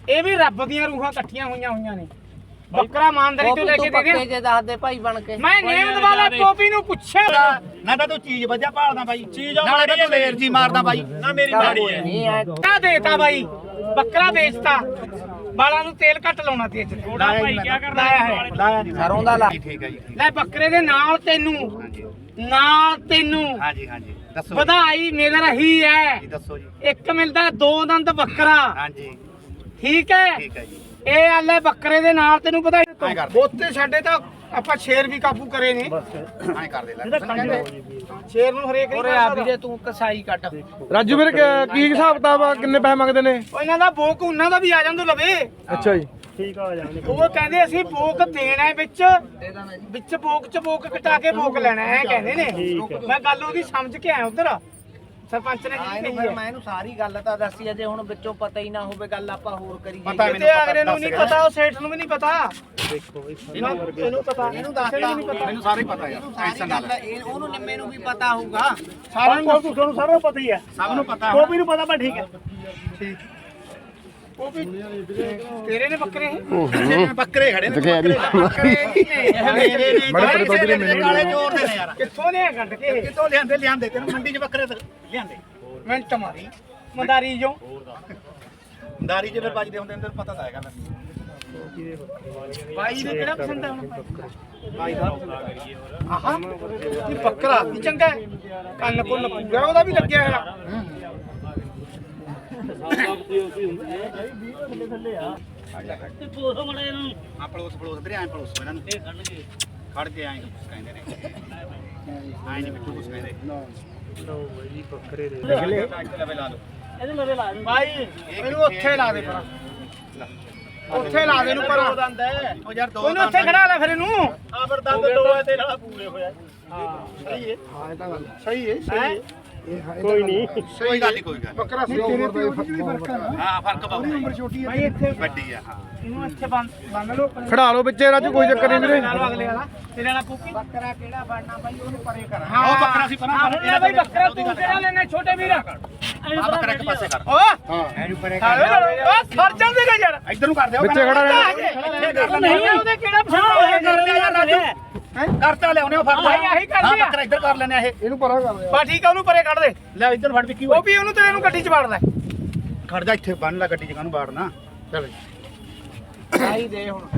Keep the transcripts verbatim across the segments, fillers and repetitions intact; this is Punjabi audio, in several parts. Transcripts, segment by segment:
ਇਹ ਵੀ ਰੱਬ ਦੀਆਂ ਰੂਹਾਂ ਇਕੱਠੀਆਂ ਹੋਈਆਂ ਹੋਈਆਂ ਨੇ ਬੱਕਰਾ ਇਮਾਨਦਾਰੀ ਤੋਂ ਲੈ ਕੇ ਦੇ ਦੇ ਜੇ ਦੱਸਦੇ ਭਾਈ ਬਣ ਕੇ ਮੈਂ ਨੇਮਦ ਵਾਲਾ ਟੋਪੀ ਨੂੰ ਪੁੱਛਿਆ ਨਾ ਤਾਂ ਤੂੰ ਚੀਜ਼ ਵਧੀਆ ਭਾਲਦਾ ਬਾਈ ਚੀਜ਼ ਨਾਲੇ ਤਾਂ ਤੂੰ ਲੇਰ ਜੀ ਮਾਰਦਾ ਬਾਈ ਨਾ ਮੇਰੀ ਮਾੜੀ ਹੈ ਨਹੀਂ ਹੈ ਕਿਆ ਦੇਤਾ ਬਾਈ ਬੱਕਰਾ ਵੇਚਤਾ ਬਾਲਾਂ ਨੂੰ ਤੇਲ ਘੱਟ ਲਾਉਣਾ ਤੇ ਥੋੜਾ ਭਾਈ ਕੀ ਕਰਦਾ ਹੈ ਲਾਇਆ ਨਹੀਂ ਸਰੋਂ ਦਾ ਲਾ ਠੀਕ ਹੈ ਜੀ ਲੈ ਬੱਕਰੇ ਦੇ ਨਾਲ ਤੈਨੂੰ ਨਾਲ ਤੈਨੂੰ ਹਾਂਜੀ ਹਾਂਜੀ ਦੱਸੋ ਵਧਾਈ ਮਿਲ ਰਹੀ ਹੈ ਜੀ ਦੱਸੋ ਜੀ ਇੱਕ ਮਿਲਦਾ ਦੋ ਦੰਦ ਬੱਕਰਾ ਹਾਂਜੀ ਠੀਕ ਹੈ ਠੀਕ ਹੈ ਜੀ ਇਹ ਆਲੇ ਬੱਕਰੇ ਦੇ ਨਾਲ ਤੈਨੂੰ ਵਧਾਈ ਐਂ ਕਰ। ਬੋਤੇ ਸਾਡੇ ਤਾਂ ਆਪਾਂ ਸ਼ੇਰ ਵੀ ਕਾਬੂ ਕਰੇ ਨੇ ਐਂ ਕਰ ਦੇ ਲੈ ਸ਼ੇਰ ਨੂੰ ਹਰੇਕ ਨਹੀਂ ਉਰੇ ਕਰ ਆ ਸਕਦਾ। ਵੀਰੇ ਤੂੰ ਕਸਾਈ ਕੱਟ ਰਾਜੂ ਵੀਰ ਕੀ ਹਿਸਾਬ ਕਿਤਾਬ ਆ ਕਿੰਨੇ ਪੈਸੇ ਮੰਗਦੇ ਨੇ ਉਹ ਇਹਨਾਂ ਦਾ ਬੋਕ ਉਹਨਾਂ ਦਾ ਵੀ ਆ ਜਾਂਦਾ ਲਵੇ ਅੱਛਾ ਜੀ ਉਹ ਕਹਿੰਦੇ ਅਸੀਂ ਬੋਕ ਦੇਣਾ ਹੈ ਵਿੱਚ ਵਿੱਚ ਬੋਕ ਚ ਬੋਕ ਕਟਾ ਕੇ ਬੋਕ ਲੈਣਾ ਹੈ ਕਹਿੰਦੇ ਨੇ ਮੈਂ ਗੱਲ ਉਹਦੀ ਸਮਝ ਕੇ ਆਇਆ ਉਧਰ ਸਰਪੰਚ ਨੇ ਆਏ ਜੀ ਨੂੰ ਕਹੀ ਫਿਰ ਮੈਂ ਇਹਨੂੰ ਸਾਰੀ ਗੱਲ ਤਾਂ ਦੱਸੀ ਜੇ ਹੁਣ ਵਿੱਚੋਂ ਪਤਾ ਹੀ ਨਾ ਹੋਵੇ ਗੱਲ ਆਪਾਂ ਹੋਰ ਕਰੀ ਪਤਾ ਤੇ ਅਗਲੇ ਨੂੰ ਨਹੀਂ ਪਤਾ ਉਹ ਸੇਠ ਨੂੰ ਵੀ ਨਹੀਂ ਪਤਾ ਇਹਨੂੰ ਪਤਾ ਇਹਨੂੰ ਦੱਸ ਕਿਸੇ ਨੂੰ ਨਹੀਂ ਪਤਾ ਮੈਨੂੰ ਸਾਰੇ ਪਤਾ ਯਾਰ ਸਾਰੀ ਗੱਲ ਇਹ ਉਹਨੂੰ ਨਿੰਮੇ ਨੂੰ ਵੀ ਪਤਾ ਹੋਊਗਾ ਸਾਰਿਆਂ ਨੂੰ ਤੁਹਾਨੂੰ ਸਾਰਿਆਂ ਨੂੰ ਪਤਾ ਹੀ ਹੈ ਸਭ ਨੂੰ ਪਤਾ ਕੋਪੀ ਨੂੰ ਪਤਾ ਪਰ ਠੀਕ ਹੈ ਠੀਕ ਉਹ ਵੀ ਤੇਰੇ ਨੇ ਬੱਕਰੇ ਹੈ ਬੱਕਰੇ ਖੜੇ ਨੇ ਬੱਕਰੇ ਇਹ ਮੇਰੇ ਨੇ ਬੜੇ ਬੜੇ ਦੁੱਧ ਦੇ ਮੈਨੂੰ ਕਾਲੇ ਚੋਰ ਦੇ ਨੇ ਯਾਰ ਕਿੱਥੋਂ ਨੇ ਕੱਢ ਕੇ ਕਿਤੋਂ ਲਿਆਂਦੇ ਲਿਆਂਦੇ ਤੈਨੂੰ ਮੰਡੀ 'ਚ ਬੱਕਰੇ ਲਿਆਂਦੇ ਮਿੰਟ ਮਾਰੀ ਮੰਦਾਰੀ ਜੋ ਦਾਰੀ 'ਚ ਫਿਰ ਵੱਜਦੇ ਹੁੰਦੇ ਨੇ ਤੈਨੂੰ ਪਤਾ ਤਾਂ ਹੈਗਾ ਬਾਈ ਨੇ ਕਿਹੜਾ ਪਸੰਦ ਆ ਹੁਣ ਬਾਈ ਦਾ ਆਹਾ ਇਹ ਬੱਕਰਾ ਵੀ ਚੰਗਾ ਹੈ ਕੰਨ ਕੋਲ ਪੂਰਾ ਉਹਦਾ ਵੀ ਲੱਗਿਆ ਹੋਇਆ ਆ ਪਲੋਸ ਪਲੋਸ ਵੀਰੇ ਐਂ ਪਲੋਸ ਇਹਨਾਂ ਨੂੰ ਖੜ ਕੇ ਐਂ ਕੁਛ ਕਹਿੰਦੇ ਨੇ ਐਂ ਨਹੀਂ ਮਿੱਠੂ ਕੁਛ ਕਹਿੰਦੇ ਲਓ ਬਈ ਬੱਕਰੇ ਦੇ ਲਾ ਲਓ ਬਾਈ ਇਹਨੂੰ ਉੱਥੇ ਲਾ ਦੇ ਪਰਾਂ ਉੱਥੇ ਲਾ ਦੇ ਇਹਨੂੰ ਪਰਾਂ ਉਹ ਯਾਰ ਦੋ ਉਹਨੂੰ ਉੱਥੇ ਖੜਾ ਲੈ ਫਿਰ ਇਹਨੂੰ ਆ ਫਿਰ ਦੰਦ ਦੋ ਹੈ ਤੇ ਨਾਲ ਪੂਰੇ ਹੋਇਆ ਹਾਂ ਸਹੀ ਹੈ ਹਾਂ ਇਹ ਤਾਂ ਗੱਲ ਸਹੀ ਹੈ ਸਹੀ ਹੈ ਕੋਈ ਨਹੀਂ ਕੋਈ ਗੱਲ ਨਹੀਂ ਕੋਈ ਗੱਲ ਬੱਕਰਾ ਸਹੀ ਉਮਰ ਦਾ ਫਰਕ ਹੈ ਹਾਂ ਫਰਕ ਬਹੁਤ ਹੈ ਛੋਟੀ ਹੈ ਬਾਈ ਇੱਥੇ ਵੱਡੀ ਆ ਹਾਂ ਇਹਨੂੰ ਇੱਥੇ ਬੰਨ ਬੰਨ ਲਓ ਖੜਾ ਲਓ ਵਿੱਚੇ ਰਾਜੂ ਕੋਈ ਚੱਕਰ ਨਹੀਂ ਵੀਰੇ ਨਾਲ ਅਗਲੇ ਵਾਲਾ ਤੇਰੇ ਵਾਲਾ ਪੂਪੀ ਬੱਕਰਾ ਕਿਹੜਾ ਬਣਨਾ ਬਾਈ ਉਹਨੂੰ ਪਰੇ ਕਰ ਹਾਂ ਉਹ ਬੱਕਰਾ ਸੀ ਪਰਾਂ ਕਰ। ਇਹਦਾ ਬਾਈ ਬੱਕਰਾ ਤੂੰ ਕਿਹੜਾ ਲੈਣਾ ਛੋਟੇ ਵੀਰ ਆ ਬੱਕਰਾ ਇੱਕ ਪਾਸੇ ਕਰ ਓ ਹਾਂ ਇਹਨੂੰ ਪਰੇ ਓ ਖੜ ਜਾਂਦੇ ਨੇ ਯਾਰ ਇੱਧਰ ਨੂੰ ਕਰ ਦਿਓ ਵਿੱਚੇ ਖੜਾ ਰਹਿਣਾ ਇੱਥੇ ਕਰ ਨਹੀਂ ਲੈਣੇ ਉਹਦੇ ਕਿਹੜਾ ਪਸੰਦ ਹੋਇਆ ਕਰ ਲਿਆ ਯਾਰ ਰਾਜੂ ਕਰਤਾ ਲਿਆਉਣੇ ਉਹ ਫੜ ਹਾਂ, ਆਹੀ ਕਰ ਹਾਂ ਲਿਆ। ਬੱਕਰਾ ਇੱਧਰ ਕਰ ਲੈਣੇ ਇਹ ਇਹਨੂੰ ਪਰਾਂ ਕਰ ਬਾ ਠੀਕ ਆ ਉਹਨੂੰ ਪਰੇ ਕੱਢ ਦੇ ਲੈ ਇੱਧਰ ਫੜ ਵਿੱਕੀ ਉਹ ਵੀ ਉਹਨੂੰ ਤੇਰੇ ਨੂੰ ਗੱਡੀ 'ਚ ਵੜ ਲੈ ਖੜ ਜਾ ਇੱਥੇ ਬੰਨ ਲੈ ਗੱਡੀ 'ਚ ਕਾਹਨੂੰ ਬਾੜਨਾ ਚੱਲ ਸਾਈ ਦੇ ਹੁਣ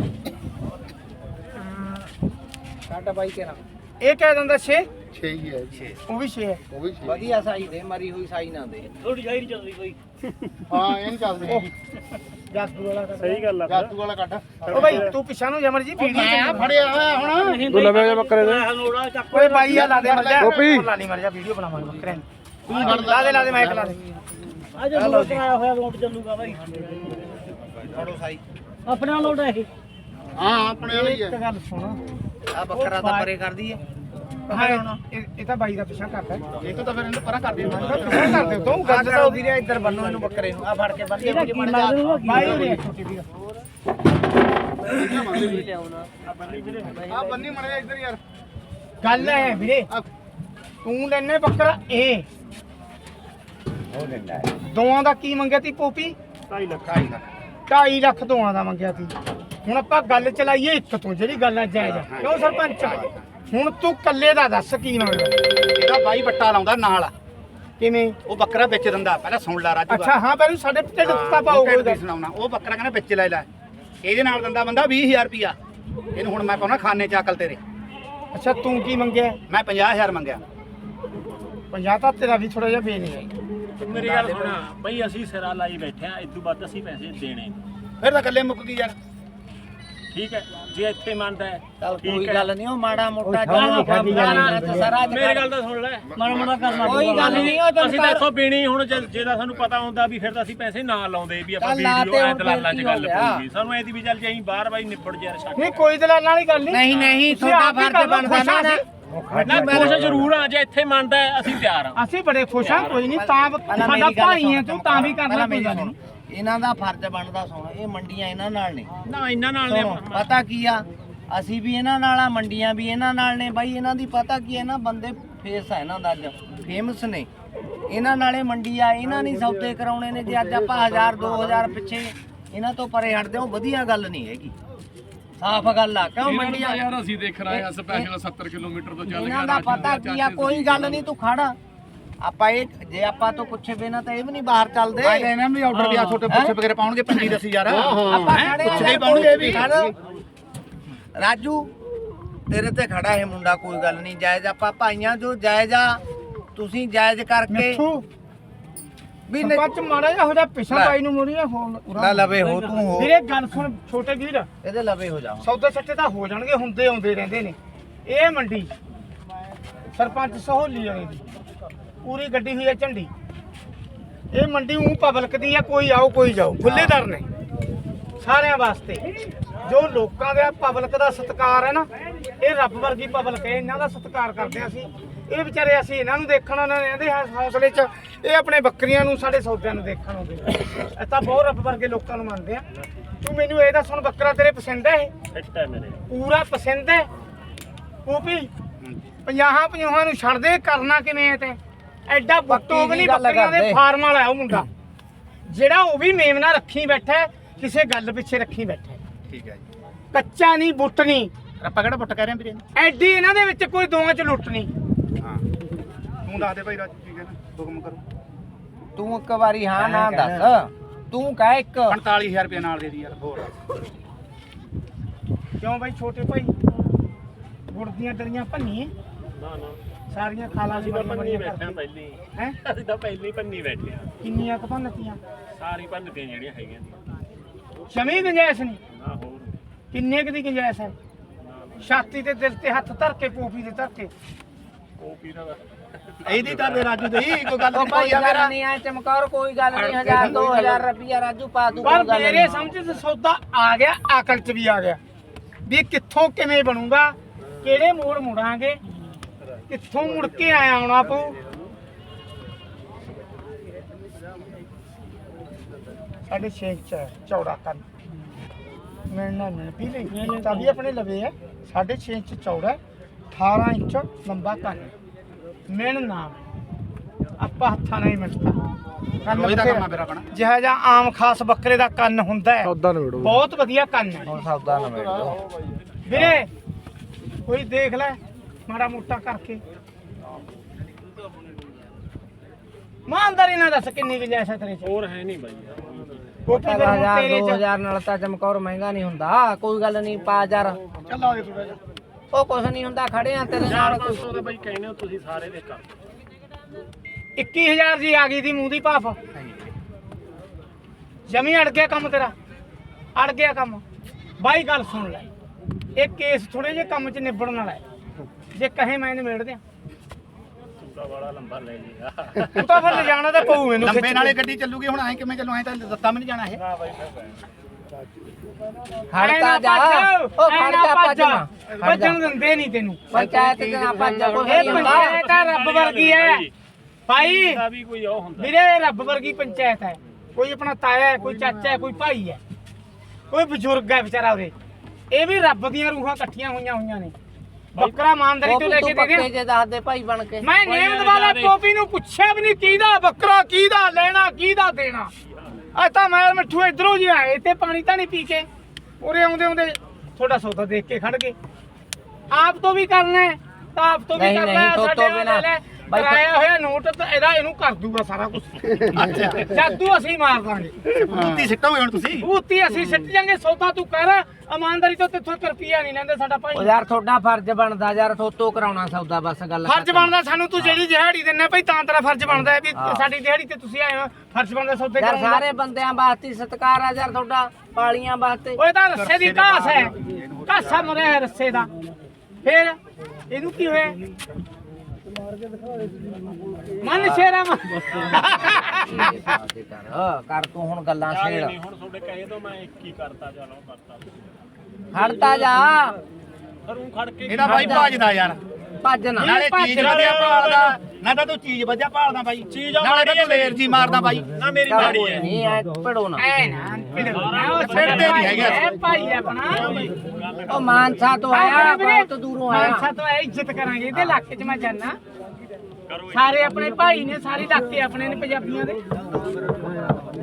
ਕੱਟ ਬਾਈ ਤੇਰਾ ਇਹ ਕਹਿ ਦਿੰਦਾ ਛੇ ਛੇ ਹੀ ਹੈ ਛੇ ਉਹ ਵੀ ਛੇ ਹੈ ਉਹ ਵੀ ਛੇ ਵਧੀਆ ਸਾਈ ਦੇ ਮਰੀ ਹੋਈ ਸਾਈ ਨਾ ਦੇ ਥੋੜੀ ਜਾਈ ਚੱਲਦੀ ਕੋਈ ਹਾਂ ਇਹ ਨਹੀਂ ਚੱਲਦੇ ਜਾਦੂ ਵਾਲਾ ਕਰ ਸਹੀ ਗੱਲ ਜਾਤੂ ਵਾਲਾ ਕੱਢ ਉਹ ਬਾਈ ਤੂੰ ਪਿੱਛਾ ਨੂੰ ਜਮਰ ਜੀ ਵੀਡੀਓ ਮੈਂ ਫੜਿਆ ਹੋਇਆ ਹੁਣ ਤੂੰ ਲਵੇ ਜਾ ਬੱਕਰੇ ਦੇ ਓਏ ਬਾਈ ਆ ਲਾ ਦੇ ਮਰ ਜਾ ਗੋਪੀ। ਲਾ ਲਈ ਮਰ ਜਾ ਵੀਡੀਓ ਬਣਾਵਾਂਗੇ ਬੱਕਰੇ ਦੀ ਲਾ ਦੇ ਲਾ ਦੇ ਮਾਈਕ ਲਾ ਦੇ ਆ ਜਾ ਲੋਟ ਆਇਆ ਹੋਇਆ ਲੋਟ ਚੱਲੂਗਾ ਬਾਈ ਫੜੋ ਸਾਈ ਆਪਣਾ ਲੋਟ ਹੈ ਇਹ ਹਾਂ ਆਪਣੇ ਵਾਲੀ ਇੱਕ ਹੈ ਗੱਲ ਸੁਣ ਆ ਬੱਕਰਾ ਤਾਂ ਪਰੇ ਕਰ ਦਈਏ ਹਾਂ ਇਹ ਇਹ ਤਾਂ ਬਾਈ ਦਾ ਪਿੱਛਾ ਕਰਦਾ ਇਹ ਤਾਂ ਫਿਰ ਇਹਨੂੰ ਪਰਾਂ ਕਰ ਦੇ ਪਿੱਛਾ ਕਰ ਦੇ ਤੂੰ ਗੱਲ ਤਾਂ ਵੀਰੇ ਇੱਧਰ ਬੰਨੋ ਇਹਨੂੰ ਬੱਕਰੇ ਨੂੰ ਆ ਫੜ ਕੇ ਬੰਨ ਇਹਦਾ ਕੀ ਲੱਗਦਾ ਬਾਈ ਨੇ ਛੋਟੀ ਵੀਰ ਆ ਬੰਨੀ ਮੜਿਆ ਇੱਧਰ ਯਾਰ ਗੱਲ ਹੈ ਵੀਰੇ ਤੂੰ ਲੈਨੇ ਬੱਕਰਾ ਇਹ ਦੋਆਂ ਦਾ ਕੀ ਮੰਗਿਆ ਤੀ ਪੋਪੀ ਢਾਈ ਲੱਖ ਢਾਈ ਲੱਖ ਢਾਈ ਲੱਖ ਦੋਆਂ ਦਾ ਮੰਗਿਆ ਤੀ ਹੁਣ ਆਪਾਂ ਗੱਲ ਚਲਾਈਏ ਇੱਕ ਤੋਂ ਜਿਹੜੀ ਗੱਲ ਜਾਇਜ਼ ਆ ਕਿਉਂ ਸਰਪੰਚ ਹੁਣ ਤੂੰ ਕੱਲੇ ਦਾ ਦੱਸ ਕੀ ਮੰਗਦਾ ਇਹਦਾ ਬਾਈ ਬੱਟਾ ਲਾਉਂਦਾ ਨਾਲ ਕਿਵੇਂ ਉਹ ਬੱਕਰਾ ਵਿੱਚ ਦਿੰਦਾ ਪਹਿਲਾਂ ਸੁਣ ਲੈ ਰਾਜੂ ਅੱਛਾ ਹਾਂ ਪਹਿਲਾਂ ਸਾਡੇ ਢਿੱਡ ਦਿੱਤਾ ਪਾਓ ਕੋਈ ਗੱਲ ਸੁਣਾਉਣਾ ਉਹ ਬੱਕਰਾ ਕਹਿੰਦਾ ਵਿੱਚ ਲੈ ਲੈ ਇਹਦੇ ਨਾਲ ਦਿੰਦਾ ਬੰਦਾ ਵੀਹ ਹਜ਼ਾਰ ਰੁਪਿਆ ਇਹਨੂੰ ਹੁਣ ਮੈਂ ਪਾਉਣਾ ਖਾਨੇ ਚ ਅਕਲ ਤੇਰੇ ਅੱਛਾ ਤੂੰ ਕੀ ਮੰਗਿਆ ਮੈਂ ਪੰਜਾਹ ਹਜ਼ਾਰ ਮੰਗਿਆ ਪੰਜਾਹ ਤਾਂ ਤੇਰਾ ਵੀ ਥੋੜਾ ਜਿਹਾ ਬੇ ਨਹੀਂ ਹੈ ਮੇਰੀ ਗੱਲ ਸੁਣਾ ਬਈ ਅਸੀਂ ਸਿਰਾ ਲਾਈ ਬੈਠੇ ਆ ਇਦੋਂ ਵੱਧ ਅਸੀਂ ਪੈਸੇ ਦੇਣੇ ਫਿਰ ਤਾਂ ਇਕੱਲੇ ਮੁੱਕ ਗਈ ਯਾਰ ਠੀਕ ਹੈ ਜੇ ਇੱਥੇ ਮੰਨਦਾ ਹੈ ਚੱਲ ਠੀਕ ਕੋਈ ਹੈ। ਗੱਲ ਨਹੀਂ ਉਹ ਮਾੜਾ ਮੋਟਾ ਖਾਧੀ ਖਾਧੀ ਸਾਰਾ ਮੇਰੀ ਗੱਲ ਤਾਂ ਸੁਣ ਲੈ ਮਾੜਾ ਮਾੜਾ ਕਰਨਾ ਕੋਈ ਗੱਲ ਨਹੀਂ ਉਹ ਅਸੀਂ ਤਾਂ ਇੱਥੋਂ ਪੀਣੀ ਹੁਣ ਜੇ ਜੇ ਤਾਂ ਸਾਨੂੰ ਪਤਾ ਹੁੰਦਾ ਵੀ ਫਿਰ ਤਾਂ ਅਸੀਂ ਪੈਸੇ ਨਾ ਲਾਉਂਦੇ ਵੀ ਆਪਾਂ ਚੱਲ ਲਾ ਵੀਡੀਓ ਤੇ ਐ ਹੁਣ ਦਲਾਲਾਂ 'ਚ ਕੀ ਗੱਲ ਹੋ ਗਿਆ? ਪਊਗੀ ਸਾਨੂੰ ਐ ਦੀ ਵੀ ਚੱਲ ਜੇ ਅਸੀਂ ਬਾਹਰ ਬਾਈ ਨਿਬੜ ਜੇ ਯਾਰ ਛੱਡ ਨਹੀਂ ਕੋਈ ਦਲਾਲਾਂ ਵਾਲੀ ਗੱਲ ਨਹੀਂ ਨਹੀਂ ਨਹੀਂ ਤੁਸੀਂ ਤੁਹਾਡਾ ਆਪ ਹੀ ਫਰਜ਼ ਕਰ ਲਓ, ਬਣਦਾ ਨਾ ਖੁਸ਼ ਨਾ ਕੋਸ਼ਿਸ਼ ਜ਼ਰੂਰ ਆ ਜੇ ਇੱਥੇ ਮੰਨਦਾ ਹੈ, ਅਸੀਂ ਤਿਆਰ ਆ ਅਸੀਂ ਬੜੇ ਖੁਸ਼ ਹਾਂ ਕੋਈ ਨਹੀਂ ਤਾਂ ਪਹਿਲਾਂ ਸਾਡਾ ਮੇਰੀ ਗੱਲ ਭਾਈ ਹੈ ਸੁਣ, ਤੂੰ ਤਾਂ ਵੀ ਕਰਨਾ ਪਹਿਲਾਂ ਕੋਈ ਮੇਰੀ ਗੱਲ ਸੁਣ। ਨਹੀਂ ਇਹਨਾਂ ਦਾ ਫਰਜ਼ ਬਣਦਾ ਸੁਣ ਇਹ ਮੰਡੀਆਂ ਇਹਨਾਂ ਨਾਲ ਨੇ ਨਾ ਇਹਨਾਂ ਨਾਲ ਨੇ ਸੁਣੋ, ਪਤਾ ਕੀ ਆ ਅਸੀਂ ਵੀ ਇਹਨਾਂ ਨਾਲ ਆ ਮੰਡੀਆਂ ਵੀ ਇਹਨਾਂ ਨਾਲ ਨੇ ਬਾਈ ਇਹਨਾਂ ਦੀ ਪਤਾ ਕੀ ਹੈ ਨਾ ਬੰਦੇ ਫੇਸ ਆ ਇਹਨਾਂ ਦਾ ਅੱਜ ਫੇਮਸ ਨੇ ਇਹਨਾਂ ਨਾਲੇ ਮੰਡੀ ਆ ਇਹਨਾਂ ਨਹੀਂ ਸੌਦੇ ਕਰਾਉਣੇ ਨੇ ਜੇ ਅੱਜ ਆਪਾਂ ਹਜ਼ਾਰ ਦੋ ਹਜ਼ਾਰ ਪਿੱਛੇ ਇਹਨਾਂ ਤੋਂ ਪਰੇ ਹਟਦੇ ਹੋ ਵਧੀਆ ਗੱਲ ਨਹੀਂ ਹੈਗੀ ਸਾਫ਼ ਗੱਲ ਆ ਕਿਉਂ ਮੰਡੀਆਂ ਯਾਰ ਅਸੀਂ ਦੇਖ ਰਹੇ ਆ ਸਪੈਸ਼ਲ ਸੱਤਰ ਕਿਲੋਮੀਟਰ ਤੋਂ ਚੱਲ ਇਹਨਾਂ ਦਾ ਪਤਾ ਕੀ ਆ ਕੋਈ ਗੱਲ ਨਹੀਂ ਤੂੰ ਖੜਾ ਆਪਾਂ ਇਹ ਜੇ ਆਪਾਂ ਤੋਂ ਪੁੱਛੇ ਬਿਨਾ ਤਾਂ ਇਹ ਵੀ ਨਹੀਂ ਬਾਹਰ ਚੱਲਦੇ ਆਏ ਨੇ ਇਹਨਾਂ ਵੀ ਆਰਡਰ ਵੀ ਆ ਛੋਟੇ ਪੁੱਛੇ ਵਗੈਰੇ ਪਾਉਣਗੇ ਪੰਜੀ ਦਸੀ ਯਾਰ ਆਪਾਂ ਖੜੇ ਪੁੱਛਦੇ ਹੀ ਪਾਉਣਗੇ ਇਹ ਵੀ ਰਾਜੂ ਤੇਰੇ ਤੇ ਖੜਾ ਇਹ ਮੁੰਡਾ ਕੋਈ ਗੱਲ ਨਹੀਂ ਜਾਇਜ਼ ਆਪਾਂ ਭਾਈਆਂ ਜੋ ਜਾਇਜ਼ ਆ ਤੁਸੀਂ ਜਾਇਜ਼ ਕਰਕੇ ਵੀ ਨ- ਸਰਪੰਚ ਮਾੜਾ ਜਿਹਾ ਹੋ ਜਾ ਪਿਛਾ ਬਾਈ ਨੂੰ ਮੁੜੀਆਂ ਫੋਨ ਨਾ ਲਵੇ ਹੋ ਤੂੰ ਹੋ ਵੀਰੇ ਗੱਲ ਸੁਣ ਛੋਟੇ ਵੀਰ ਇਹਦੇ ਲਵੇ ਹੋ ਜਾ ਸੌਦੇ ਸੱਟੇ ਤਾਂ ਹੋ ਜਾਣਗੇ ਹੁੰਦੇ ਆਉਂਦੇ ਰਹਿੰਦੇ ਨੇ ਇਹ ਮੰਡੀ ਸਰਪੰਚ ਸਹੋਲੀ ਵਾਲੀ ਦੀ ਪੂਰੀ ਗੱਡੀ ਹੋਈ ਹੈ ਝੰਡੀ ਇਹ ਮੰਡੀ ਉਹ ਪਬਲਿਕ ਦੀ ਹੈ ਕੋਈ ਆਓ ਕੋਈ ਜਾਓ ਖੁੱਲੇਦਾਰ ਨੇ ਸਾਰਿਆਂ ਵਾਸਤੇ ਜੋ ਲੋਕਾਂ ਦਾ ਪਬਲਿਕ ਦਾ ਸਤਿਕਾਰ ਹੈ ਨਾ ਇਹ ਰੱਬ ਵਰਗੀ ਪਬਲਿਕ ਹੈ ਇਹਨਾਂ ਦਾ ਸਤਿਕਾਰ ਕਰਦੇ ਹਾਂ ਅਸੀਂ ਇਹ ਵਿਚਾਰੇ ਅਸੀਂ ਇਹਨਾਂ ਨੂੰ ਦੇਖਣ ਉਹਨਾਂ ਨੇ ਇਹਦੇ ਹੌਸਲੇ 'ਚ ਇਹ ਆਪਣੇ ਬੱਕਰੀਆਂ ਨੂੰ ਸਾਡੇ ਸੌਦਿਆਂ ਨੂੰ ਦੇਖਣ ਆਉਂਦੇ ਇਹ ਤਾਂ ਬਹੁਤ ਰੱਬ ਵਰਗੇ ਲੋਕਾਂ ਨੂੰ ਮੰਨਦੇ ਆ ਤੂੰ ਮੈਨੂੰ ਇਹ ਦੱਸ ਹੁਣ ਬੱਕਰਾ ਤੇਰੇ ਪਸੰਦ ਹੈ ਇਹ ਫਿੱਟ ਹੈ ਮੇਰੇ ਪੂਰਾ ਪਸੰਦ ਹੈ ਪੂਪੀ ਪੰਜਾਹਾਂ ਪੰਜਾਹਾਂ ਨੂੰ ਛੱਡ ਦੇ ਕਰਨਾ ਕਿਵੇਂ ਹੈ ਤੇ ਐਡਾ ਬੁੱਟੋ ਵੀ ਨਹੀਂ ਬੱਕਰੀਆਂ ਦੇ ਫਾਰਮ ਵਾਲਾ ਉਹ ਮੁੰਡਾ ਜਿਹੜਾ ਉਹ ਵੀ ਮੇਮਨਾ ਰੱਖੀ ਬੈਠਾ ਕਿਸੇ ਗੱਲ ਪਿੱਛੇ ਰੱਖੀ ਬੈਠਾ ਠੀਕ ਹੈ ਜੀ ਕੱਚਾ ਨਹੀਂ ਬੁੱਟ ਨਹੀਂ ਆਪਾਂ ਕਿਹੜਾ ਪੁੱਟ ਕਹਿ ਰਹੇ ਵੀਰੇ ਐਡੀ ਇਹਨਾਂ ਦੇ ਵਿੱਚ ਕੋਈ ਦੋਵਾਂ ਚ ਲੁੱਟ ਨਹੀਂ ਹਾਂ ਤੂੰ ਦੱਸ ਦੇ ਭਾਈ ਰਾਜ ਠੀਕ ਹੈ ਨਾ ਹੁਕਮ ਕਰੋ ਤੂੰ ਇੱਕ ਵਾਰੀ ਹਾਂ ਨਾ ਦੱਸ ਤੂੰ ਕਹਿ ਇੱਕ ਪੰਤਾਲੀ ਹਜ਼ਾਰ ਰੁਪਏ ਨਾਲ ਦੇ ਦੀ ਯਾਰ ਹੋਰ ਕਿਉਂ ਬਾਈ ਛੋਟੇ ਭਾਈ ਗੁੜ ਦੀਆਂ ਡਰੀਆਂ ਭੰਨੀਏ ਨਾ ਨਾ ਸਾਰੀਆਂ ਖਾਲਾਂ ਦੀ ਅਸੀਂ ਤਾਂ ਪੰਨੀ ਬੜੀਆਂ ਬੈਠੇ ਆ ਪਹਿਲੀ ਹੈ ਅਸੀਂ ਤਾਂ ਪਹਿਲੀ ਪੰਨੀ ਬੈਠੇ ਆ ਕਿੰਨੀਆਂ ਕੁ ਭੰਨਤੀਆਂ ਸਾਰੀ ਭੰਨ ਕੇ ਜਿਹੜੀਆਂ ਹੈਗੀਆਂ ਦੀਆਂ ਜਮੀ ਗੁੰਜਾਇਸ਼ ਨਹੀਂ ਨਾ ਹੋਰ ਕਿੰਨੇ ਕੁ ਦੀ ਗੁੰਜਾਇਸ਼ ਹੈ ਛਾਤੀ ਤੇ ਦਿਲ ਤੇ ਹੱਥ ਧਰ ਕੇ ਪੋਪੀ ਦੇ ਧਰ ਕੇ ਉਹ ਪੀਰਾ ਦਾ ਇਹਦੀ ਤਾਂ ਦੇ ਰਾਜੂ ਦੀ ਕੋਈ ਗੱਲ ਉਹ ਨਹੀਂ ਭਾਈ ਕੋਈ ਆ ਗੱਲ ਮੇਰਾ ਨਹੀਂ ਆ ਚਮਕੌਰ ਕੋਈ ਗੱਲ ਨਹੀਂ ਹਜ਼ਾਰ ਦੋ ਹਜ਼ਾਰ ਰੁਪਿਆ ਰਾਜੂ ਪਾ ਦੂ ਪਰ ਮੇਰੇ ਸਮਝ ਚ ਸੌਦਾ ਆ ਗਿਆ ਅਕਲ ਚ ਵੀ ਆ ਗਿਆ ਵੀ ਕਿੱਥੋਂ ਕਿਵੇਂ ਬਣੂਗਾ ਕਿਹੜੇ ਮੋੜ ਮੁੜਾਂਗੇ ਕਿੱਥੋਂ ਮੁੜ ਕੇ ਆਇਆ ਆਉਣਾ ਪਊ ਸਾਡੇ ਛੇਕ ਚ ਹੈ, ਚੌੜਾ ਕੰਨ ਮਿਲਣਾ ਮਿਲ ਵੀ ਲਈ ਤਾਂ ਵੀ ਆਪਣੇ ਲਵੇ ਹੈ ਸਾਡੇ ਛੇ ਇੰਚ ਚੌੜਾ ਹੈ, ਅਠਾਰਾਂ ਇੰਚ ਲੰਬਾ ਕੰਨ ਮਿਲ ਨਾ ਆਪਾਂ ਹੱਥਾਂ ਨਾਲ ਹੀ ਮਿਲਦਾ ਕੰਨ ਰੋਜ਼ ਦਾ ਕੰਮ ਆ ਬਥੇਰਾ। ਮੇਰਾ ਆਪਣਾ ਜਿਹੜਾ ਜਿਹਾ ਆਮ ਖਾਸ ਬੱਕਰੇ ਦਾ ਕੰਨ ਹੁੰਦਾ ਹੈ ਬਹੁਤ ਵਧੀਆ ਕੰਨ ਹੈ ਹੁਣ ਸੌਦਾ ਨਾ ਮੇੜ ਦੋ ਵੀਰੇ ਕੋਈ ਦੇਖ ਲੈ ਮਾੜਾ ਮੋਟਾ ਕਰਕੇ ਇਮਾਨਦਾਰੀ ਨਾਲ ਦੱਸ ਕਿੰਨੀ ਗੁੰਜਾਇਸ਼ ਹੈ ਤੇਰੇ ਚ ਹੋਰ ਹੈ ਨਹੀਂ ਬਾਈ ਕੋਠੀ ਫਿਰ ਹੁਣ ਹਜ਼ਾਰ ਤੇਰੇ ਦੋ ਚ ਹਜ਼ਾਰ ਨਾਲ ਤਾਂ ਚਮਕੌਰ ਮਹਿੰਗਾ ਨਹੀਂ ਹੁੰਦਾ ਕੋਈ ਗੱਲ ਨਹੀਂ ਪਾ ਯਾਰ ਚੱਲ ਆ ਦੇ ਥੋੜਾ ਜਿਹਾ ਉਹ ਕੁਛ ਨਹੀਂ ਹੁੰਦਾ ਖੜੇ ਆ ਤੇਰੇ ਚਾਰ ਨਾਲ ਪੰਜ ਸੌ ਦੇ ਬਾਈ ਕਹਿੰਦੇ ਹੋ ਤੁਸੀਂ ਸਾਰੇ ਦੇ ਕਰ ਇੱਕੀ ਹਜ਼ਾਰ ਦੀ ਆ ਗਈ ਦੀ ਮੂੰਹ ਦੀ ਭਾਫ ਜਮੀ ਅੜ ਗਿਆ ਕੰਮ ਤੇਰਾ ਅੜ ਗਿਆ ਕੰਮ ਬਾਈ ਗੱਲ ਸੁਣ ਲੈ ਇਹ ਕੇਸ ਥੋੜੇ ਜਿਹੇ ਕੰਮ 'ਚ ਨਿਬੜਨ ਵਾਲਾ ਹੈ ਜੇ ਕਹੇ ਮੈਂ ਨਿਬੇੜ ਦਿਆਂ ਸੂਦਾ ਵਾਲਾ ਲੰਬਾ ਲੈ ਲਿਆ ਤੂੰ ਤਾਂ ਫਿਰ ਲਿਜਾਣਾ ਤਾਂ ਪਊ ਮੈਨੂੰ ਲੰਬੇ ਖਿੱਚ ਨਾਲੇ ਕੇ। ਗੱਡੀ ਚੱਲੂਗੀ ਹੁਣ ਐ ਕਿਵੇਂ ਚੱਲੂ ਐ ਤਾਂ ਦਿੱਤਾ ਵੀ ਨਹੀਂ ਜਾਣਾ ਇਹ ਨਾ ਬਾਈ ਫਿਰ ਖੜਤਾ ਜਾ ਉਹ ਖੜ ਜਾ ਭੱਜ ਨਾ ਖੜ ਜਾ ਭੱਜਣ ਦਿੰਦੇ ਨਹੀਂ ਤੈਨੂੰ ਪੰਚਾਇਤ ਚ ਨਾ ਭੱਜ ਜਾ ਕੋਈ ਇਹ ਨਹੀਂ ਹੁੰਦਾ ਪੰਚਾਇਤ ਆ ਰੱਬ ਵਰਗੀ ਹੈ ਭਾਈ ਦਾ ਵੀ ਕੋਈ ਉਹ ਹੁੰਦਾ ਵੀਰੇ ਇਹ ਰੱਬ ਵਰਗੀ ਪੰਚਾਇਤ ਹੈ ਕੋਈ ਆਪਣਾ ਤਾਇਆ ਹੈ ਕੋਈ ਚਾਚਾ ਹੈ ਕੋਈ ਭਾਈ ਹੈ ਕੋਈ ਬਜ਼ੁਰਗ ਹੈ ਵਿਚਾਰਾ ਉਹਦੇ ਇਹ ਵੀ ਰੱਬ ਦੀਆਂ ਰੂਹਾਂ ਇਕੱਠੀਆਂ ਹੋਈਆਂ ਹੋਈਆਂ ਨੇ ਬੱਕਰਾ ਇਮਾਨਦਾਰੀ ਤੋਂ ਲੈ ਕੇ ਦੇ ਪੱਕੇ ਦੇ ਜੇ ਦੱਸ ਦੇ ਭਾਈ ਬਣ ਕੇ ਮੈਂ ਨੇਮਦ ਵਾਲਾ ਟੋਪੀ ਨੂੰ ਪੁੱਛਿਆ ਵੀ ਨਹੀਂ ਕਿਹਦਾ ਬੱਕਰਾ ਕਿਹਦਾ ਲੈਣਾ ਕਿਹਦਾ ਦੇਣਾ ਅੱਜ ਤਾਂ ਮੈਂ ਮਿੱਠੂ ਇਧਰੋਂ ਜੀ ਆਏ ਤੇ ਪਾਣੀ ਤਾਂ ਨਹੀਂ ਪੀ ਕੇ ਉਰੇ ਆਉਂਦੇ ਆਉਂਦੇ ਤੁਹਾਡਾ ਸੌਦਾ ਦੇਖ ਕੇ ਖੜ ਗਏ ਆਪ ਤੋਂ ਵੀ ਕਰਨਾ ਹੈ ਤਾਂ ਆਪ ਤੋਂ ਵੀ ਨਹੀਂ, ਕਰਨਾ ਨਹੀਂ, ਹੈ ਤੋਂ- ਸਾਡੇ ਤੋਂ ਨਾਲ ਬਿਨਾਂ। ਲੈ ਬਾਈ ਤੋਂ- ਕਰਾਇਆ ਹੋਇਆ ਨੋਟ ਤਾਂ ਇਹਦਾ ਇਹਨੂੰ ਕਰ ਦੂਗਾ ਸਾਰਾ ਕੁਝ ਜਾਦੂ ਅਸੀਂ ਮਾਰ ਦਾਂਗੇ ਕੁੱਤੀ ਸਿੱਟੋਗੇ ਹੁਣ ਤੁਸੀਂ ਭੂਤੀ ਅਸੀਂ ਸਿੱਟ ਜਾਂਗੇ ਸੌਦਾ ਤੂੰ ਕਰ ਇਮਾਨਦਾਰੀ ਤੋਂ ਤੇਥੋਂ ਇੱਕ ਰੁਪਿਆ ਨਹੀਂ ਲੈਂਦੇ ਸਾਡਾ ਭਾਈ ਉਹ ਯਾਰ ਤੁਹਾਡਾ ਫਰਜ਼ ਬਣਦਾ ਯਾਰ ਥੋਤੋਂ ਕਰਾਉਣਾ ਸੌਦਾ ਬਸ ਗੱਲ ਫਰਜ਼ ਖਤਮ। ਬਣਦਾ ਸਾਨੂੰ ਤੂੰ ਜਿਹੜੀ ਦਿਹਾੜੀ ਦਿੰਨਾ ਭਾਈ ਤਾਂ ਤੇਰਾ ਫਰਜ਼ ਬਣਦਾ ਹੈ ਵੀ ਹਾਂ। ਸਾਡੀ ਦਿਹਾੜੀ ਤੇ ਤੁਸੀਂ ਆਏ ਹੋ ਫਰਜ਼ ਬਣਦਾ ਸੌਦੇ ਯਾਰ ਕਰਾਉਣ ਦਾ ਸਾਰੇ ਬੰਦਿਆਂ ਵਾਸਤੇ ਸਤਿਕਾਰ ਆ ਯਾਰ ਤੁਹਾਡਾ ਪਾਲੀਆਂ ਵਾਸਤੇ ਓਏ ਤਾਂ ਰੱਸੇ ਦੀ ਘਾਸ ਹੈ ਘਾਸਾ ਮਰਿਆ ਹੈ ਰੱਸੇ ਦਾ ਫਿਰ ਇਹਨੂੰ ਕੀ ਹੋਇਆ ਮਨ ਸ਼ੇਰਾ ਮਨ ਕਰ ਕਰ ਤੂੰ ਹੁਣ ਗੱਲਾਂ ਯਾਰ ਛੇੜ ਨਹੀਂ ਹੁਣ ਤੁਹਾਡੇ ਕਹੇ ਤੋਂ ਮੈਂ ਇੱਕ ਹੀ ਕਰਤਾ ਚਲੋ ਕਰਤਾ ਖੜਤਾ ਜਾ ਫਿਰ ਉਹ ਖੜ ਕੇ ਇਹਦਾ ਬਾਈ ਭੱਜਦਾ ਯਾਰ ਭੱਜ ਨਾ ਨਾਲੇ ਚੀਜ਼ ਵਧੀਆ ਭਾਲਦਾ ਨਾ ਤਾਂ ਤੂੰ ਚੀਜ਼ ਵਧੀਆ ਭਾਲਦਾ ਬਾਈ ਚੀਜ਼ ਆ ਨਾਲੇ ਤਾਂ ਮਾੜੀ ਤੂੰ ਲੇਰ ਜੀ ਮਾਰਦਾ ਬਾਈ ਨਾ ਮੇਰੀ ਮਾੜੀ ਹੈ ਨਹੀਂ ਐ ਭੜੋ ਨਾ ਐ ਨਾ ਉਹ ਛੱਡਦੇ ਨਹੀਂ ਹੈਗੇ। ਹੈ ਭਾਈ ਆਪਣਾ ਉਹ ਮਾਨਸਾ ਤੋਂ ਆਇਆ ਬਹੁਤ ਦੂਰੋਂ ਮਾਨਸਾ ਆਇਆ ਤੋਂ ਆਇਆ ਇੱਜ਼ਤ ਕਰਾਂਗੇ ਇਹਦੇ ਇਲਾਕੇ 'ਚ ਮੈਂ ਜਾਣਾ ਸਾਰੇ ਆਪਣੇ ਭਾਈ ਨੇ ਸਾਰੇ ਇਲਾਕੇ ਆਪਣੇ ਨੇ ਪੰਜਾਬੀਆਂ ਦੇ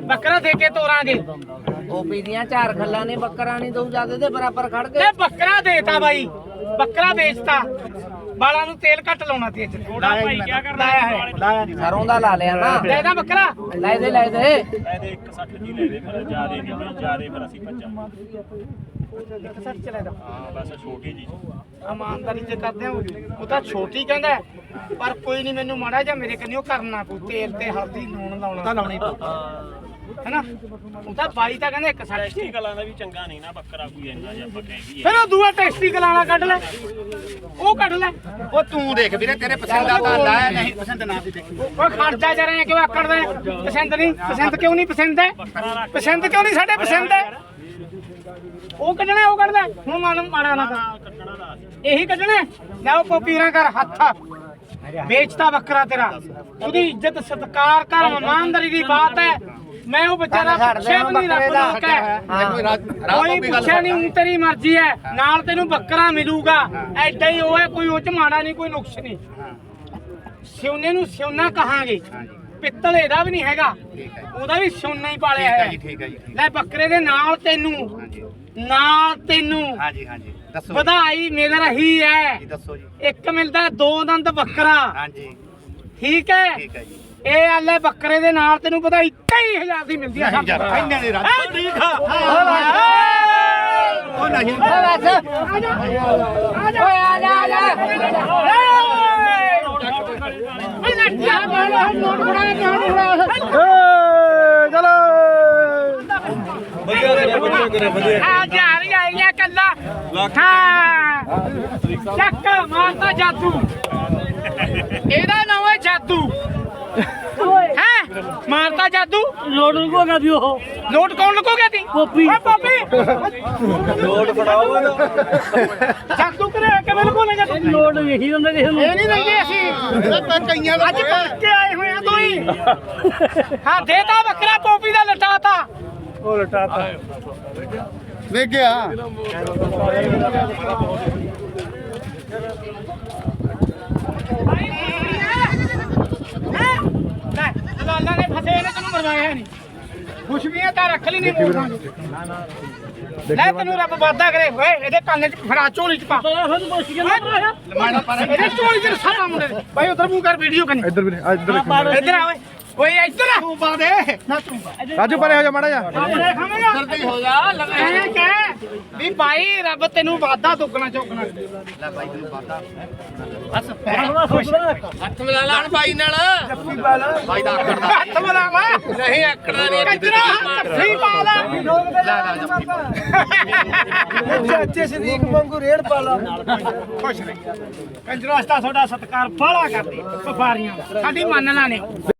ਬੱਕਰਾ ਦੇ ਕੇ ਤੋਰਾਂਗੇ। ਓਪੀ ਦੀਆਂ ਚਾਰ ਖੱਲਾਂ ਨੇ ਬੱਕਰਾ ਨਹੀਂ ਦਊ ਜਿਆਦੇ ਦੇ ਬਰਾਬਰ ਖੜ ਕੇ ਤੇ ਬੱਕਰਾ ਦੇਤਾ ਬਾਈ, ਬੱਕਰਾ ਵੇਚਤਾ। ਬਾਲਾਂ ਨੂੰ ਤੇਲ ਘੱਟ ਲਾਉਣਾ ਤੇ ਅੱਜ ਥੋੜਾ ਭਾਈ ਕੀ ਕਰਦਾ ਲਾਇਆ ਹੈ। ਸਰੋਂ ਦਾ ਲਾ ਲਿਆ ਨਾ ਦੇ ਦਾ ਬੱਕਰਾ ਲੈ ਦੇ ਲੈ ਦੇ ਲੈ ਦੇ ਇੱਕ ਸੱਠ ਦੀ ਲੈ ਦੇ ਫਿਰ ਜਿਆਦੇ ਨਹੀਂ ਬਈ ਜਿਆਦੇ ਫਿਰ ਅਸੀਂ ਭੱਜਾਂ ਇੱਕ ਸੱਚ ਚਲੇ ਦਾ ਹਾਂ ਬਸ ਛੋਟੀ ਜੀ ਇਮਾਨਦਾਰੀ ਜੇ ਕਰਦੇ ਆ ਉਹ ਤਾਂ ਛੋਟੀ ਕਹਿੰਦਾ ਹੈ, ਪਰ ਕੋਈ ਨਹੀਂ ਮੈਨੂੰ ਮਾੜਾ ਜਿਹਾ ਮੇਰੇ ਕੰਨਿਓ ਕਰਨਾ ਪਊ। ਤੇਲ ਤੇ ਹਲਦੀ ਲੂਣ ਲਾਉਣਾ ਤਾਂ ਲਾਉਣੀ ਪਊ ਹੈਨਾ। ਉਹ ਤਾਂ ਬਾਈ ਤਾਂ ਕਹਿੰਦਾ ਇੱਕ ਸੱਚ ਟੈਸਟੀ ਕਲਾਂ ਦਾ ਵੀ ਚੰਗਾ ਨਹੀਂ ਨਾ ਬੱਕਰਾ ਕੋਈ ਇੰਨਾ ਜਿਹਾ ਆਪਾਂ ਕਹਿ ਗਈ ਫਿਰ ਉਹ ਦੂਆ ਟੈਕਸਟੀ ਕਲਾਣਾ ਕੱਢ ਲੈ, ਉਹ ਕੱਢ ਲੈ। ਉਹ ਤੂੰ ਦੇਖ ਵੀਰੇ ਤੇਰੇ ਪਸੰਦ ਦਾ ਤਾਂ ਲਾਇਆ ਨਹੀਂ ਪਸੰਦ ਨਾ ਵੀ ਦੇਖੀ ਉਹ ਖਰਚਾ ਜਾ ਰਹੇ ਕਿਉਂ ਆਕੜਦਾ ਹੈ? ਪਸੰਦ ਨਹੀਂ, ਪਸੰਦ ਕਿਉਂ ਨਹੀਂ ਪਸੰਦ ਹੈ? ਪਸੰਦ ਕਿਉਂ ਨਹੀਂ ਸਾਡੇ ਪਸੰਦ ਹੈ? ਉਹ ਕੱਢਣਾ ਉਹ ਕੱਢਦਾ ਹੁਣ ਮਨ ਮਾੜਾ ਨਾ ਕਰ, ਕੱਟਣਾ ਦਾ ਇਹੀ ਕੱਢਣਾ ਲੈ ਉਹ ਪੋਪੀਰਾਂ ਕਰ ਹੱਥ ਵੇਚਤਾ ਬੱਕਰਾ ਤੇਰਾ। ਉਹਦੀ ਇੱਜ਼ਤ ਸਤਿਕਾਰ ਕਰ, ਇਮਾਨਦਾਰੀ ਦੀ ਬਾਤ ਹੈ। ਮੈਂ ਉਹ ਵਿਚਾਰਾ ਪੁੱਛਿਆ ਵੀ ਨਹੀਂ, ਰੱਬ ਲੋਕ ਹੈ ਕੋਈ ਪੁੱਛਿਆ ਨਹੀਂ, ਊਂ ਤੇਰੀ ਮਰਜ਼ੀ ਹੈ। ਨਾਲ ਤੈਨੂੰ ਬੱਕਰਾ ਮਿਲੂਗਾ, ਐਡਾ ਹੀ ਉਹ ਹੈ, ਕੋਈ ਉਹ ਚ ਮਾੜਾ ਨਹੀਂ ਕੋਈ ਨੁਕਸ ਨਹੀਂ। ਸਿਉਨੇ ਨੂੰ ਸਿਉਨਾ ਕਹਾਂਗੇ, ਪਿੱਤਲ ਇਹਦਾ ਵੀ ਨਹੀਂ ਹੈਗਾ, ਉਹਦਾ ਵੀ ਸਿਉਨਾ ਹੀ ਪਾਲਿਆ ਹੈ। ਠੀਕ ਹੈ ਜੀ ਲੈ ਬੱਕਰੇ ਦੇ ਨਾਲ ਤੈਨੂੰ ਨਾਲ ਤੈਨੂੰ ਹਾਂਜੀ ਹਾਂਜੀ ਦੱਸੋ ਵਧਾਈ ਮਿਲ ਰਹੀ ਹੈ। ਜੀ ਦੱਸੋ ਜੀ ਇੱਕ ਮਿਲਦਾ ਦੋ ਦੰਦ ਬੱਕਰਾ, ਹਾਂਜੀ ਠੀਕ ਹੈ। ਠੀਕ ਹੈ ਜੀ ਇਹ ਆਲੇ ਬੱਕਰੇ ਦੇ ਨਾਲ ਤੈਨੂੰ ਵਧਾਈ ਤੇਈ ਹਜ਼ਾਰ ਦੀ ਮਿਲਦੀ ਹੈ। ਨਹੀਂ ਯਾਰ, ਇੰਨੇ ਦੀ ਰਾਤ। ਐ ਠੀਕ ਆ ਉਹ ਨਹੀਂ ਆ ਜਾ ਆ ਜਾ ਓਏ ਆ ਜਾ ਆ ਜਾ ਓਏ ਲੱਟਿਆ ਬੜਾ ਨੋਟ ਬੜਾ ਨੋਟ ਬੜਾ ਚਲੋ ਆ ਜਾ ਰਹੀ ਆਈਆਂ ਕੱਲਾ ਹਾਂ ਚੱਕ ਮਾਰਦਾ ਜਾਦੂ, ਇਹਦਾ ਨਾਮ ਹੈ ਜਾਦੂ ਹੈ। ਮਾਰਦਾ ਜਾਦੂ, ਲੋਡ ਲੁਕੋ ਗਿਆ ਦੀ ਉਹ ਲੋਟ ਕੌਣ ਲੁਕੋਗੇ ਤੀ? ਪੋਪੀ। ਓਏ ਪੋਪੀ ਲੋਟ ਫੜਾਓ ਜਾਦੂ ਕਰੇ ਕਿਵੇਂ ਲੁਕੋਣੇਗਾ ਤੂੰ? ਲੋਡ ਇਹੀ ਹੁੰਦਾ ਕਿਸੇ ਨੂੰ ਇਹ ਨਹੀਂ ਦਿੰਦੇ ਅਸੀਂ, ਕਈਆਂ ਅੱਜ ਭਰ ਕੇ ਆਏ ਹੋਏ ਆ ਦੋਈ। ਹਾਂ ਦੇਤਾ ਬੱਕਰਾ, ਪੋਪੀ ਦਾ ਲਟਾਤਾ। ਉਹ ਲਟਾਤਾ ਵੇਖ ਗਿਆ ਲੈ ਲਾਲਾ ਨੇ ਫਸੇ ਨੇ ਤੈਨੂੰ ਮਰਵਾਇਆ ਨਹੀਂ, ਖੁਸ਼ਬੀਆਂ ਤਾਂ ਰੱਖ ਲਈ ਨਹੀਂ ਮੋੜਾਂਗੇ। ਲੈ ਤੈਨੂੰ ਰੱਬ ਵਾਦਾ ਕਰੇ ਓਏ, ਇਹਦੇ ਕੰਨ ਚ ਫੜਾ, ਝੋਲੀ ਚ ਪਾ। ਇਹਦੇ ਝੋਲੀ ਚ ਸਾਰਾ ਮੁੰਡੇ ਦੇ। ਬਾਈ ਉਧਰ ਮੂੰਹ ਕਰ, ਵੀਡੀਓ ਕਰਨੀ। ਇੱਧਰ ਵੀ ਇੱਧਰ ਇੱਧਰ ਆ ਓਏ, ਓਏ ਇੱਧਰ ਆ ਤੂੰ ਪਾ ਦੇ ਨਾ, ਤੂੰ ਰਾਜੂ ਪਰੇ ਹੋ ਜਾ ਮਾੜਾ ਜਾ ਆਪਣੇ ਖਾਵੇਂਗਾ ਜਲਦੀ ਹੋ ਜਾ। ਐ ਕਹਿ ਵੀ ਬਾਈ ਰੱਬ ਤੈਨੂੰ ਵਾਦਾ ਦੁੱਗਣਾ ਚੌਗਣਾ ਲੈ ਬਾਈ ਤੈਨੂੰ ਪਤਾ ਹੱਥ ਮਿਲਾ ਲਾਣ ਬਾਈ ਨਾਲ ਬਾਈ ਦਾ ਆਕੜਦਾ ਹੱਥ ਮਲਾਵਾ ਨਹੀਂ ਆਕੜਦਾ ਨਹੀਂ ਕੰਜਰਾ ਹੱਥੀ ਪਾ ਲੈ। ਲੈ ਲੈ ਜੱਫੀ ਪਾ ਚਾਚੇ ਸਦੀਕ ਵਾਂਗੂ ਰੇੜ ਪਾ ਲਾ। ਖੁਸ਼ ਰਹੀ ਕੰਜਰਾ, ਅਸਤਾ ਤੁਹਾਡਾ ਸਤਿਕਾਰ ਬਾਹਲਾ ਕਰਦੇ ਵਪਾਰੀਆਂ, ਸਾਡੀ ਮੰਨ ਲਾ ਨੇ।